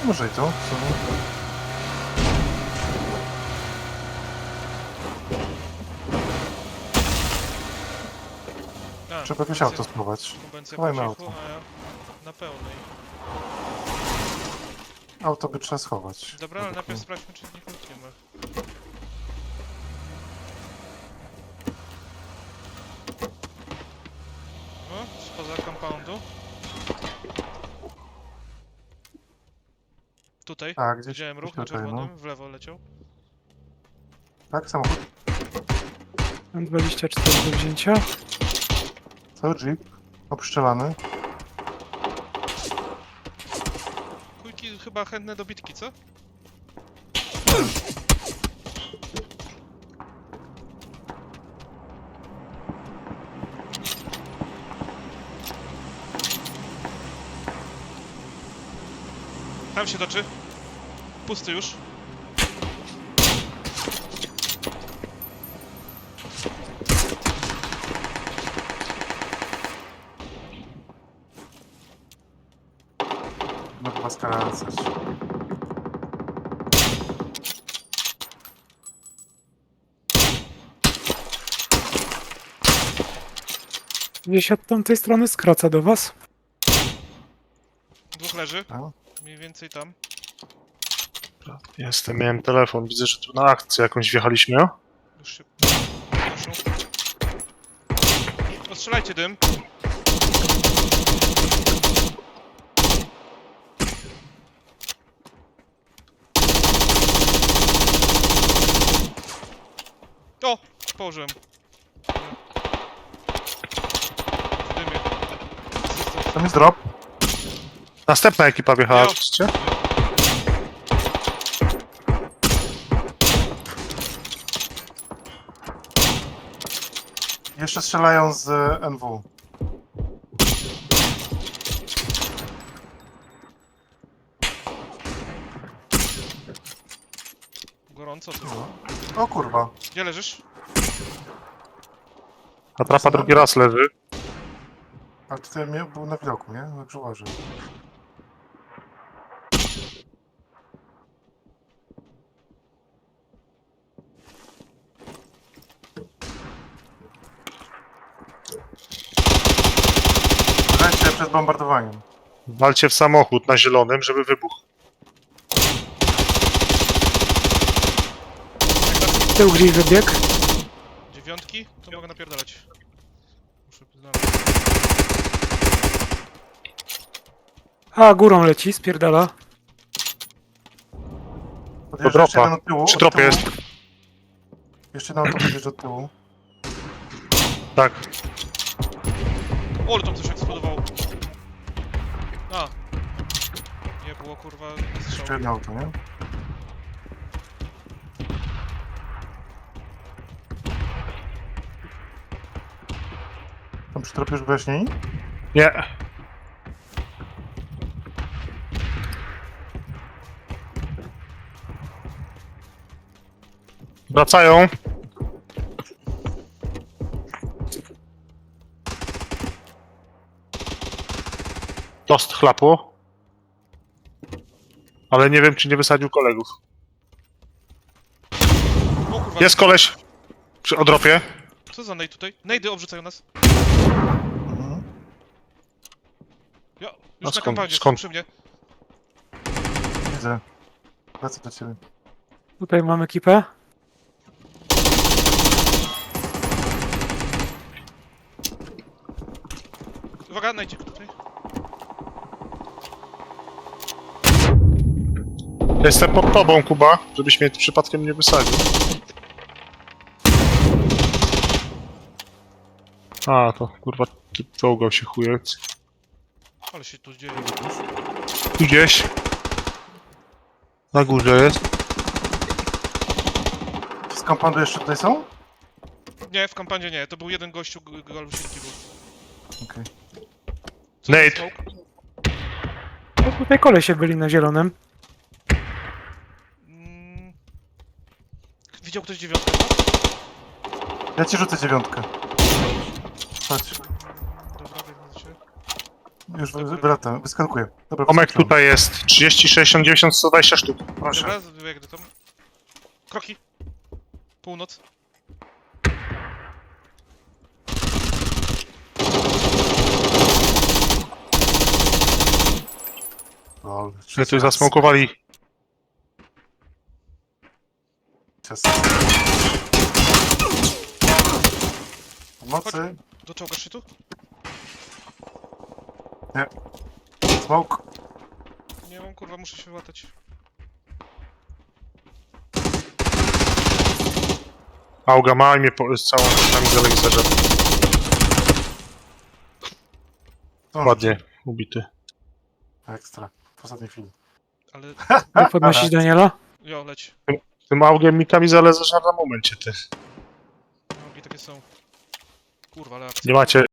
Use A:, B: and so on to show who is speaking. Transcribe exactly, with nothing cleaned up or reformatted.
A: Może i to, w sumie.
B: A,
A: Trzeba jakieś
B: konwencja-
A: auto spróbować.
B: konwencja
A: Schowajmy
B: po cichu,
A: auto.
B: a ja na pełnej.
A: Auto by trzeba schować.
B: Dobra, ale
A: Według
B: najpierw
A: mnie.
B: sprawdźmy, czy nikogo nie ma. No, spoza compoundu. Tutaj,
A: Tak, gdzieś,
B: widziałem ruch
A: gdzieś
B: na
A: tutaj,
B: czerwonym,
A: no.
B: w lewo leciał.
A: Tak, samochód.
C: Mam dwadzieścia cztery do wzięcia.
A: Cały jeep. Obszczelany.
B: Kujki chyba chętne do bitki, co? Tam się toczy. Pusty już.
A: Mogę was skracać.
C: Gdzieś od tamtej strony skraca do was.
B: Dwóch leży.
A: No.
B: Mniej więcej tam.
D: Jestem, miałem telefon. Widzę, że tu na akcję jakąś wjechaliśmy. O?
B: Już się proszą. Ostrzelajcie dym. O! Położyłem. W dymie. Asystent.
A: Tam jest drop.
D: Następna ekipa wjechała,
B: Jo.
D: widzicie?
A: Jeszcze strzelają z e, N W.
B: Gorąco tu.
A: O kurwa.
B: Gdzie leżysz?
D: Atrapa drugi raz leży.
A: Ale tutaj mnie był na widoku, nie? Dobrze uważaj. Lecie przed bombardowaniem.
D: Walcie w samochód na zielonym, żeby wybuchł.
C: Tył gdzieś wybiegł.
B: Dziewiątki? To mogę napierdalać. Muszę znaleźć.
C: A, górą leci, spierdala.
A: Podjeżdża jeszcze
D: dropa.
A: jeden od tyłu.
D: Przy
A: od
D: dropie
A: tyłu.
D: jest.
A: Jeszcze jeden auto podjeżdża od tyłu.
D: Tak.
B: O, ale tam coś eksplodowało. A. Nie było kurwa
A: Jeszcze
B: strzału.
A: jedno auto, nie? Tam przy tropie już wyjaśnieni?
D: Nie. Wracają. Dost chlapło. Ale nie wiem, czy nie wysadził kolegów.
B: O kurwa.
D: Jest koleś przy odropie.
B: Co za nade tutaj? Nejdy obrzucają nas.
A: Mhm.
B: Ja,
D: A
B: już na
D: skąd-
B: kampanii,
D: skąd?
B: przy mnie.
A: Widzę. Wracam do ciebie.
C: Tutaj mam ekipę.
B: Uwaga, najdzie tutaj.
D: Jestem pod tobą, Kuba, żebyś mnie przypadkiem nie wysadził. A, to kurwa, ty czołgał się chujec.
B: Ale się tu dzieje.
D: Tu gdzieś. Na górze jest.
A: Z kompandu jeszcze tutaj są?
B: Nie, w kampanii nie. To był jeden gościu, g- galusinki był.
A: Okej.
B: Co
D: Nate.
B: za smoke?
C: No, tutaj kolesie byli na zielonym.
B: Mm. Widział ktoś dziewiątkę?
A: Ja ci rzucę dziewiątkę. Chodź.
B: Dobra, biegnę do ciebie.
A: już wratam, wyskakuję. Dobra,
D: Tomek
A: wyskoczyłem.
D: tutaj jest. trzydzieści, sześćdziesiąt, dziewięćdziesiąt, sto dwadzieścia sztuk.
A: Proszę.
B: Dobra, biegnę tam. Kroki. Północ.
A: O,
D: Że tu zasmokowali.
A: Czas. Pomocy.
B: Doczołgasz się tu?
A: Smoke.
B: Nie mam, kurwa, muszę się łatać.
D: Auga ma i mnie po, z całą kamizolę mi zażarł.
A: To
D: Ładnie, ubity.
A: Ekstra. W ostatniej chwili.
B: Ale...
C: Jak podnosić Daniela?
B: Jo, leć.
D: Tym augiem mi kamizolę zażarł na momencie, ty.
B: Nogi takie są. Kurwa, ale akcja.
D: Nie macie